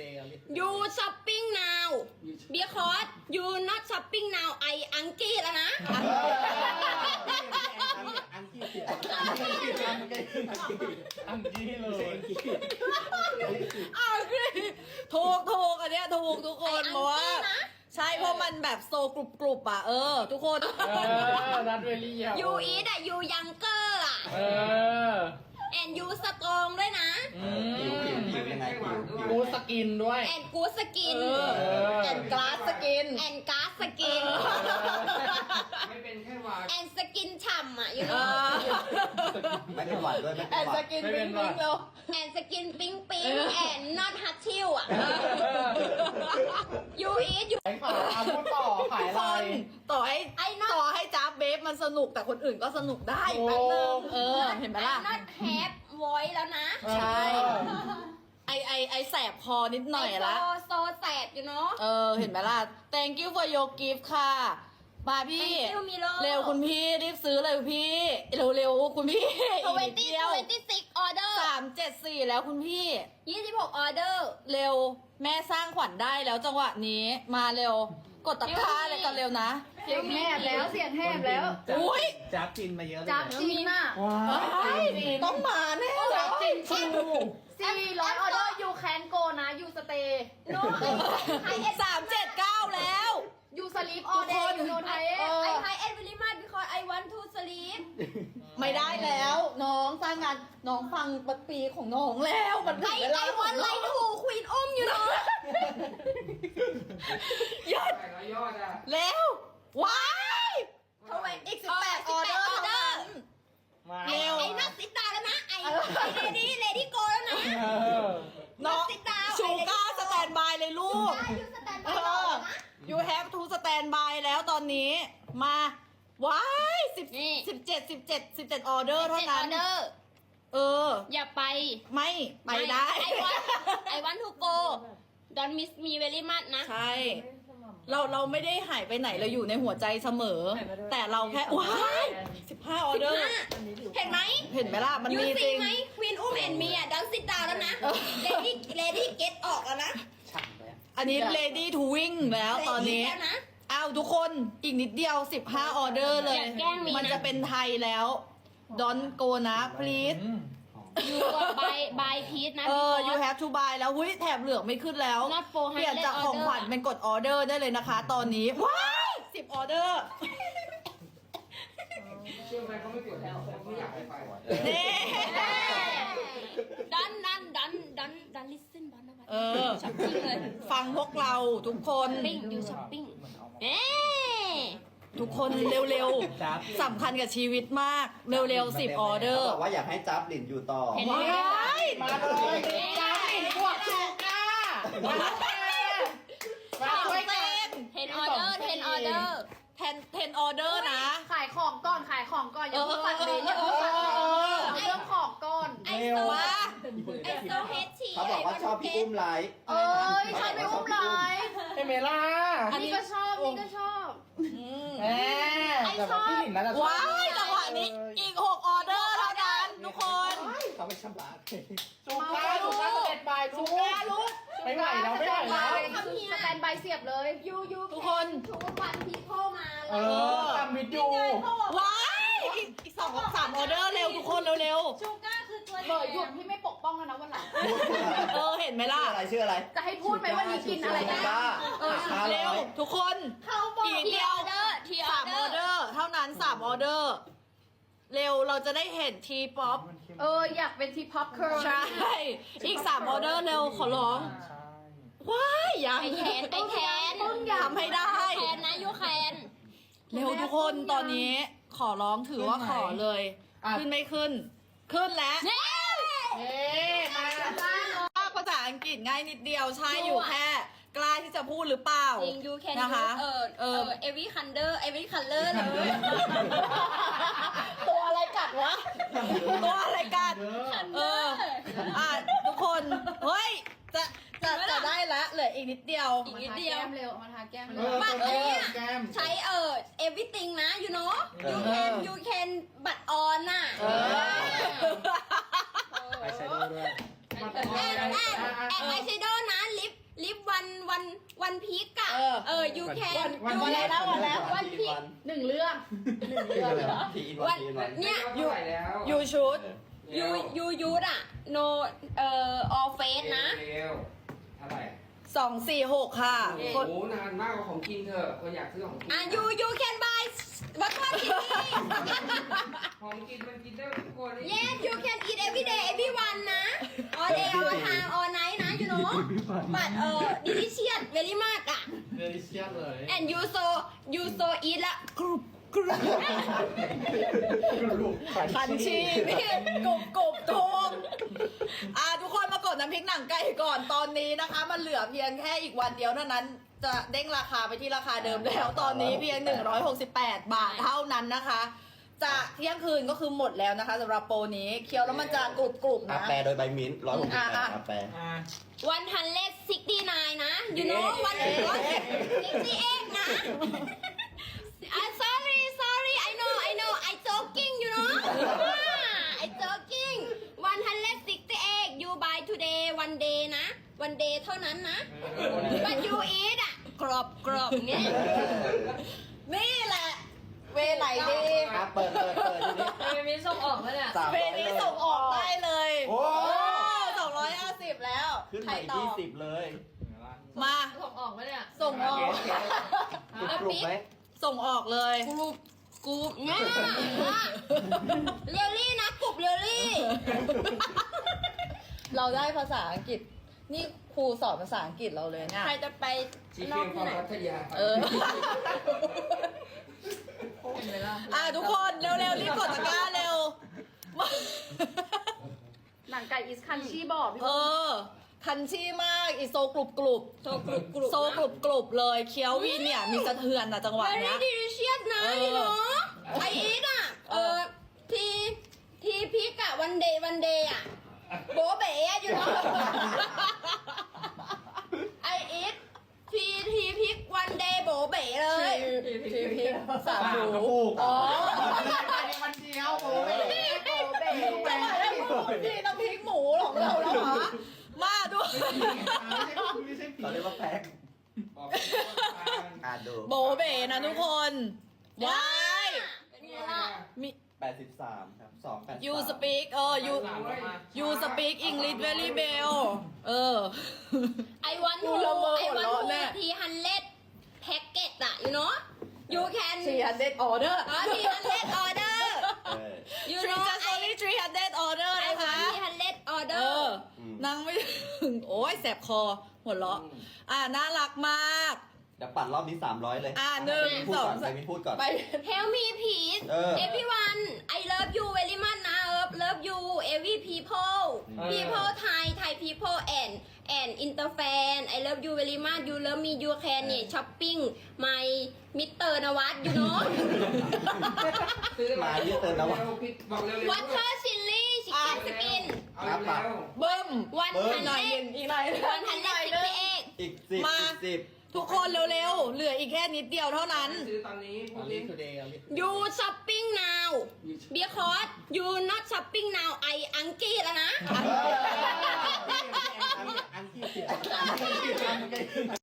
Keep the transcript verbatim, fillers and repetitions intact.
today you shopping now because you not shopping now I อังกี้แล้วนะอังกี้อังกี้อังกี้อังกี้เลยอ้าวถูกถูกอันเนี้ยถูกทุกคนเพราะว่าใช่เพราะมันแบบโซกรุบกรุบอ่ะเออทุกคนเออรัดเวลี่อ่ะ you eat อ่ะ you younger อ่ะเออ and you strong ด้วยนะผิวผิวผิวยังไงผิวกูสกินด้วย and good skin แอนกลาสสกิน and gas skin ไม่เป็นแค่วา and skin ฉ่ำอ่ะ you เอ know อไม่เป็นหวัดด้วยไม่แอเป็นนหสวัดกินปิ้งปิ้งแล้ว and skin ปิ๊งปิ๊ง and not hot chill อ่ะ you eat you ขายขาพูดต่อขายทุกอะไรคนต่อให้ไอ้นอตต่อให้จ้าเบฟมันสนุกแต่คนอื่นก็สนุกได้แป๊บนึงเออเห็นไหมล่ะ I'm not have voice แล้วนะใช่ ไอไอไอแสบคอนิดหน่อยละโซโซแสบอยู่เนาะเออเห็นไหมล่ะ thank you for your gift ค่ะมาพี่ Thank you Milo เร็วคุณพี่รีบซื้อเลยพี่ เร็วเร็วๆคุณพี่อีกนิด 20 เดียว 26 order สามเจ็ดสี่แล้วคุณพี่ยี่สิบหก order เร็วแม่สร้างขวัญได้แล้วจังหวะนี้มาเร็วกดตะกร้าเลยกันเร็วนะเสียงแหบแล้วเสียงแหบแล้วอุ้ยจับจินมาเยอะเลยจับจีนน่ะว้าเฮ้ยต้องมาแน่เลยจีนชูสี่ร้อยออเดอร์ยูแคนโกนะยูสเตย์ no สามเจ็ดเก้าแล้วยูสลีปออเดย์ยูโนไทยเออ I high end very much because I want to sleep ไม่ได้แล้ว น้องสร้างงานน้องฟังปัปีของน้องแล้วมันถึง I เวลา I want like to queen อุ้มอยู่เนาะหยุดขายร้อยยอดอ่ะแล้วว้ายเขาไว้อีกสิบแปดออเดอร์เท่านั้นมาไอ้ไอ้นักติดตาแล้วนะ ไอ้เลดี้เลดี้โกแล้วนะเออน้องติดตามชูก้าสแตนบายเลยลูกได้ยูสแตนเอบายอ you have to stand by แล้วตอนนี้ มาว้ายสิบสิบเจ็ดสิบเจ็ดสิบเจ็ดออเดอร์เท่าเจ็ดอนั้อน เดอร์เอออย่าไปไม่ไปได้ไอวันไอวันทูโก don't miss me very much นะใช่ เราเราไม่ได้หายไปไหนเราอยู่ในหัวใจเสมอ แต่เราแค่ว้ายสิบห้าออเดอร์เห็นไหมเห็นไหมล่ะ มันยูมีจซีริงไหมควีนอุ้มแอนมีอ่ะดังซิดดาวแล้วนะเลดี้เลดี้เก็ตออกแล้วนะอันนี้ ready to win แล้วตอนนี้แล้วนะอ้าวทุกคนอีกนิดเดียวสิบห้าออเดอร์เลยอย่าแกล้งมีนะมันจะเป็นไทยแล้ว don't go นะ please ยูบายบายพีทนะเออพี่ you บส have to buy แล้วหุ้ยแถบเหลืองไม่ขึ้นแล้ว Not for เปลี่ยนจากของขวัญ order เป็นกดออเดอร์ได้เลยนะคะ ตอนนี้ ว้ายสิบออเดอร์เชื่อไหมเขาไม่กดแล้วเขาไม่อยากให้ไปนี่ดันดันดันดันดันลิสเซนบอลนะเออช้อปปิ้งเลยฟังพวกเราทุกคนปิ้งดูช้อปปิ้งเอ๊ทุกคนเร็วๆสำคัญกับชีวิตมาก เร็วๆสิบออเดอร์ขาบอกว่าอยากให้จับหลินอยู่ต่อว้ายมาเลยจ้าปิ่นบวกชูก้ามามาช่วยกันเทนออเดอร์เทนออเดอร์เทนเทนออเดอร์นะขายของก่อนขายของก่อนอย่าเพิ่งฝันเลยอย่าเพิ่งฝันเลยเอาเรื่องของก่อนไอเร็โซวว่าไอโซเฮดชีเขาบอกว่าชอบพี่อุ้มไลฟ์เอ้ยชอบไปอุ้มไลฟ์เอเมล่าอันนี้ก็ชอบนี่ก็ชอบแหมแต่ว่าพี่หลินน่าจะชอบว้ายจังหวะนี้อีกหกออเดอร์เท่านั้นทุกคนเขาไม่ชำระชูก้าชูก้าสเต็ปบายชูก้าลูกไม่ไหวแล้วไม่ไหวแล้วสแตนบายเสียบเลยยูยูทุกคนทุกวันพีโพมาเออทำวิดีโอว้ายอีกอีกสองสามออเดอร์เร็วทุกคนเร็วชูก้าคือตัวเบอร์หยุดที่ไม่ปกป้องแล้วนะวันหลังๆเออเห็นไหมล่ะชื่ออะไรชื่ออะไรจะให้พูดไหมว่านี้กินอะไรชูนะก้าเออเร็วทุกคนเขาบอกอีกทีเดีอยวอเดอร์ทีอสาอมเดอออร์เดอร์เท่านั้นสามออเดอร์เร็วเราจะได้เห็นทีป๊อปเอออยากเป็นทีพ็อปเคิร์ลใช่อีกสามออเดอร์เร็วขอร้องใช่ว้ายยังไอแคนไอแคนทำให้ได้แคนนะยูแคนเร็วทุกคนตอนนี้ขอร้องถือว่าขอเลย ขึ้นไม่ขึ้น ขึ้นแล้วเน่เอ๊มาภาษาอังกฤษง่ายนิดเดียวใช่อยู่แค่กล้าที่จะพูดหรือเปล่าจริงยูแคนนะคะเออเออเอวีคันเดอร์เอวีคันเลอร์เลยตัวอะไรกัดวะ ตัวอะไรกัด เออ อ่ะทุกคน เฮ้ย จะจะจะได้ละเหลืออีกนิดเดียวอีกนิดเดียวเร็วมาทาแก้มเอเร็อวบัตรอันเนี้ยแก้มใช้เออ everything นะ you know you can you can บัตรออนน่ะเออไอแชโดว์ด้วยแอนแอนแอนไอแชโดว์นะลิปวันวันวันพีกอะเออเออ you can วันวันอะไรนะวันแล้ววันพีคหนึ่งเรื่องหนึ่งเรื่องเหรอทีวันทีวันเนี่ยเท่าไหร่แล้วยูชุด you you use อะ no เอ่อ all face นะเร็วเท่าไหร่สองสี่หกค่ะโอ้กดโหนานมากกว่าของกินเถอะก็อยากซื้อของกินอ่ะ you you can buy วัตถุดิบของกินมันกินได้ทุกคน yes you can eat every day everyone นะ all day all time all night นะ you know but เอ่อ delicious very much อะเดลิเชียสเลย and you so you so eat ละกรุบกรุบคันชีพี่กรุบกรุบทุกอ่ะทุกคนมากดน้ำพริกหนังไก่ก่อนตอนนี้นะคะ มันเหลือเพียงแค่อีกวันเดียวเท่านั้น จะเด้งราคาไปที่ราคาเดิมแล้วตอนนี้เพียงหนึ่งร้อยหกสิบแปดบาทเท่านั้นนะคะ จะเที่ยงคืนก็คือหมดแล้วนะคะสำหรับโปรนี้เคี้ยวแล้วมันจะกรุบกรุบอานะแปรโดยใบมิ้นร้อยหกสิบแปดอาแปรอ่า one hundred sixty nine นะ you know one hundred sixty eight นะ I'm sorry sorry I know I know I joking you know I joking one hundred sixty eight you buy today one day นะ one day เท่านั้นนะ but you eat อ่ะกรอบกรอบเนี่ยนี่แหละ เวไหนดีอ่ะเปิดเปิดเปิดทีนี้เอมิส่งออกแล้วเนี่ยสามเวร้อยนี้เลยส่งออกได้เลยโอ้สองร้อยห้าสิบแล้วขึ้นใครมาอีกตอยี่บสิบเลยมาส่งออกแล้วเนี่ยส่งออกกรุบไหมส่งออกเลยกรุบกรุบเนี่ยเรลลี่นะกรุบเรลลี่เราได้ภาษาอังกฤษ นี่ครูสอนภาษาอังกฤษเราเลยเนี่ยใครจะไปชีนเฟีอย กงขที่องไหนพัทยาเออ อ่ะทุกคนเร็วๆรีบกดตะกร้าเร็วหนังไก่อิสคันชีบอกพี่เออ คันชี่มาก อีโซกรุบกรุบโซกรุบกรุบโซกรุบกรุบเลย เคี้ยววีเนี่ย มีสะเทือนนะจังหวะเวเนี้รี่ยดีลิเชียสนะเออพี่หนูไออีทอ่ะ เออ ทีทีพิกอะวันเดย์วันเดย์อะโบเบ๋อะอยู่เนาะไออีททีทีพิกวันเดย์โบเบ๋เลยทีพีสามกหูระปุกอ๋อวันเดียวโอ้ยทำไมแล้วพี่น้ำพริกหมูของเราแล้วเหรอ มาดูไม่ใช่ผีเราเรียกว่าแพ็คบอกอ่านดูโบเบนะทุกคนว้ายเป็นไงล่ะมีแปดสิบสามครับสองแปด you speak เออ you you speak English very well เออไอวันดูทูละเมอไอหัววันเราะทูแน่ทีฮันเลดแพ็กเกจอะ you know you can สี่ hundred order อ๋อทีฮันเลดออเดอร์เออ you three know just only three hundred order ไอนะวันคะทีฮันเลดออเดเออร์อ นั่งไม่ถึง โอ้ยแสบคอ หัวเราะ อ่าน่ารักมากเดี๋ยวปัดรอบนี้สามร้อยเลยอ่าหนึ่งพูดสอก่งอนใครไม่พูดก่อนไป Help me please เออ everyone I love you very much นะ love love you every people people Thai Thai people and and inter fan I love you very much you love me you can เนี่ย shopping my Mister นวัด you know ซื้อมาเยอะเกินแล้ววะบอกเร็วๆ water chili chicken skin เอาเร็วเบิ้ม one เบิ้มหน่อย hundred หนึ่งอีกหน่อย one hundred sixty eight อีกสิบมาอีกสิบทุกคนเร็วๆ เหลืออีกแค่นิดเดียวเท่านั้นซื้อตอนนี้พวกนี้ you shopping now because you not shopping now I อังกี้แล้วนะอันที่สิบ